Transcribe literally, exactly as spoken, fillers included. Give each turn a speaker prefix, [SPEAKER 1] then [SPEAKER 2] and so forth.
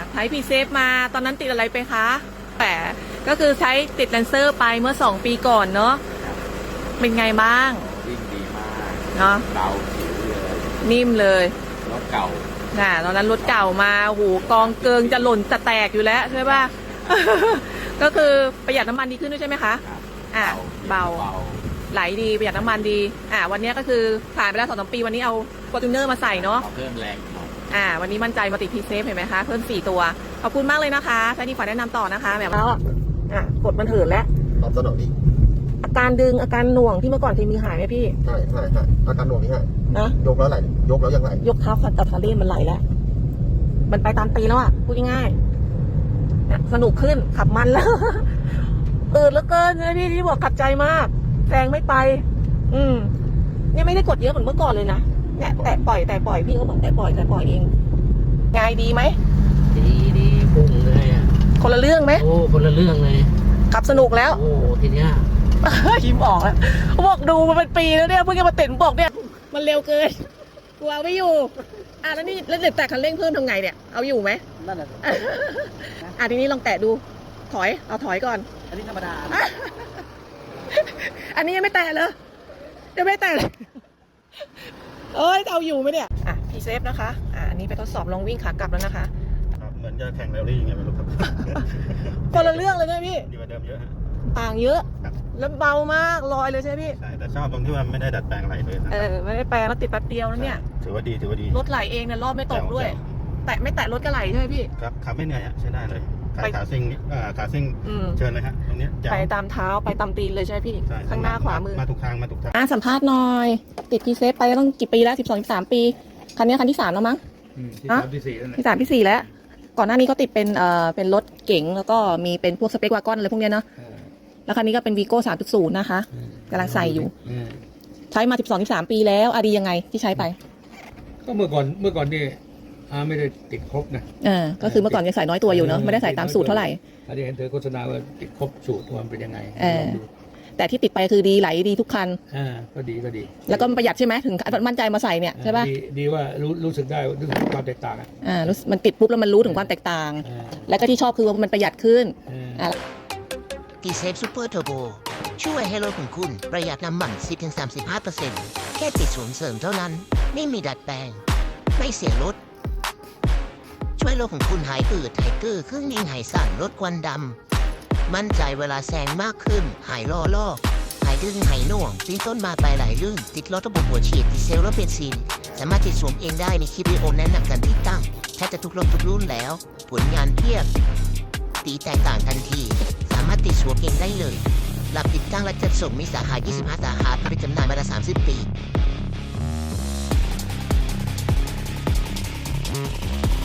[SPEAKER 1] ใช้พีเซฟมาตอนนั้นติดอะไรไปคะแต่ก็คือใช้ติดแลนเซอร์ไปเมื่อสองปีก่อนเนาะเป็นไงบ้าง
[SPEAKER 2] วิ่งดีมาก
[SPEAKER 1] เนาะ
[SPEAKER 2] เบาผิวเลย
[SPEAKER 1] นิ่มเลย
[SPEAKER 2] รถเก่า
[SPEAKER 1] น่ะตอนนั้นรถเก่ามาโหกองเกิงจะหล่นจะแตกอยู่แล้วใช่ป่ะ ก็คือประหยัดน้ำมันดีขึ้นด้วยใช่ไหมคะอ่าเบาไหลดีประหยัดน้ำมันดีอ่าวันนี้ก็คือผ่านไปแล้วสองสามปีวันนี้เอาฟอร์จูเนอร์มาใส่เนาะ
[SPEAKER 2] เพิ่มแรง
[SPEAKER 1] อ่าวันนี้มั่นใจมาติดพีเซฟเห็นไหมคะเพิ่มสี่ตัวขอบคุณมากเลยนะคะใช้ดีฝากแนะนำต่อนะคะแบบแล้วอ่ะกดมันเถิดแล้ว
[SPEAKER 3] ตอบสนองดี
[SPEAKER 1] อาการดึงอาการหน่วงที่เมื่อก่อนเคยมีหายไหมพี่
[SPEAKER 3] ใช่ใช่ใช่อาการหน่วงนี่ฮะ
[SPEAKER 1] นะ
[SPEAKER 3] ยกแล้วไหลยกแล้วยังไหล
[SPEAKER 1] ยกเท้าขัดกับคาเล่นมันไหลแล้วมันไปตามตีแล้วอ่ะพูดง่ายๆสนุกขึ้นขับมันแล้วเออแล้วเกินเลยพี่ที่บอกขับใจมากแซงไม่ไปอืมเนี่ยไม่ได้กดเยอะเหมือนเมื่อก่อนเลยนะเนี่ยแต่ปล่อยแต่ปล่อยพี่ก็เหมือนแต่ปล่อยแต่ปล่อยเองง่ายดีไหม
[SPEAKER 4] ดีดีพุ่งเลยอ่ะ
[SPEAKER 1] คนละเรื่องไหม
[SPEAKER 4] โอ้คนละเรื่องเลย
[SPEAKER 1] ขับสนุกแล้ว
[SPEAKER 4] โอ้ทีเนี้ย
[SPEAKER 1] ยิ้มออกแล้วบอกดูมันเป็นปีแล้วเนี่ยเพิ่งจะมาติดบอกเนี่ยมันเร็วเกินกลัวไม่อยู่อ่ะแล้วนี่แล้วเด็กแต่คันเร่งเพิ่มทำไงเนี่ยเอาอยู่ไหม
[SPEAKER 4] นั่นแหละ
[SPEAKER 1] อ่ะทีนี้ลองแตะดูถอยเอาถอยก่อน
[SPEAKER 4] อันนี้ธรรมดา
[SPEAKER 1] อันนี้ยังไม่แตะเลยยังไม่แตะเลยเอ้ยเอาอยู่ไหมเนี่ยอ่ะพีเซฟนะคะอ่ะอันนี้ไปทดสอบลองวิ่งขากลับแล้วนะคะ
[SPEAKER 3] เหมือนจะแข่งแรลลี่ยังไงไม่รู้ครับ
[SPEAKER 1] คนละเรื่องเลยนะพี่
[SPEAKER 3] ดีกว่าเดิมเยอะฮะ
[SPEAKER 1] ต่างเยอะแล้วเบามากลอยเลยใช่ไหมพี่
[SPEAKER 3] ใช่แต่ชอบตรงที่ว่าไม่ได้ดัดแปลงอะไรเลย
[SPEAKER 1] เออไม่ได้แปลงแล้วติดแป๊บเดียวแล้วเนี่ย
[SPEAKER 3] ถือว่าดีถือว่าดี
[SPEAKER 1] รถไหลเองเนี่ยรอบไม่ตกด้วยแต่ไม่แตะรถก็ไหลใช่ไหมพี่
[SPEAKER 3] ครับขับไม่เหนื่อยฮะใช้ได้เลยขาซิ่งขาซิ่งเชิญเลยฮะตรงนี้
[SPEAKER 1] ไปตามเท้าไปตามตีนเลยใช่ไหมพี่ข้างหน้าขวามือ
[SPEAKER 3] มาถูกทางมาถูกทาง
[SPEAKER 1] อ่ะสัมภาษณ์หน่อยติดพีเซฟไปต้องกี่ปีแล้วสิบสองสิบสามปีคันนี้คันที่สามแล้วมั้ง
[SPEAKER 3] ที่สามที่สี่แล้ว
[SPEAKER 1] ที่สามที่สี่แล้วก่อนหน้านี้ก็ติดเป็นเอ่อเป็นรถเก๋งแล้วก็มีเป็นพวกสเปกวากอนอะไรพวกนี้เนาะแล้วคันนี้ก็เป็นวีโก้สามจุดศูนย์นะคะกำลังใส่อยู่ใช้มาสิบสองสิบสามปีแล้วอะดียังไงที่ใช้ไป
[SPEAKER 4] ก็เมื่อก่อนเมื่อก่อนนี่อาไม่ได้ติดครบนะ
[SPEAKER 1] อ่าก็คือเมื่อก่อนยังใส่น้อยตัวอยู่เนาะไม่ได้ใส่ตามสูตรเท่าไหร่
[SPEAKER 4] อันนี้เห็นเธอโฆษณาว่าติดครบสูตรมันเป็นยังไง
[SPEAKER 1] เออแต่ที่ติดไปคือดีไหลดีทุกคัน
[SPEAKER 4] อ่าก็ดีก็ดี
[SPEAKER 1] แล้วก็ประหยัดใช่ไหมถึงมั่นใจมาใส่เนี่ยใช่ป่ะ
[SPEAKER 4] ดีดีว่ารู้รู้สึกได้รู้สึกความแตกต่าง
[SPEAKER 1] อ่ามันติดปุ๊บแล้วมันรู้ถึงความแตกต่างแล้วก็ที่ชอบคือว่ามันประหยัดขึ้นอ่า
[SPEAKER 5] ดีเซฟซูเปอร์เทอร์โบช่วยให้รถของคุณประหยัดน้ำมัน สิบถึงสามสิบห้าเปอร์เซ็นต์ แค่ติดศูนย์เสริมเท่านั้นไม่มีดัดแปลงไม่เสียรถช่วยรถของคุณหายอืดหายกื้อเครื่องยนต์หายสั่นลดควันดำมั่นใจเวลาแซงมากขึ้นหายล้อลอกหายดึงหายหน่วงตีนต้นมาไปไหลลื่นติดรถระบบหัวฉีดดีเซลและเบนซินสามารถติดสวมเองได้ในคลิปวิดีโอแนะนำการติดตั้งแทบจะทุกรถทุกรุ่นแล้วผลงานเพียบตีแตกต่างทันทีสามารถติดสวมเองได้เลยรับติดตั้งและจัดส่งมีสาขายี่สิบห้าสาขาผลิตจำหน่ายมาแล้วสามสิบปี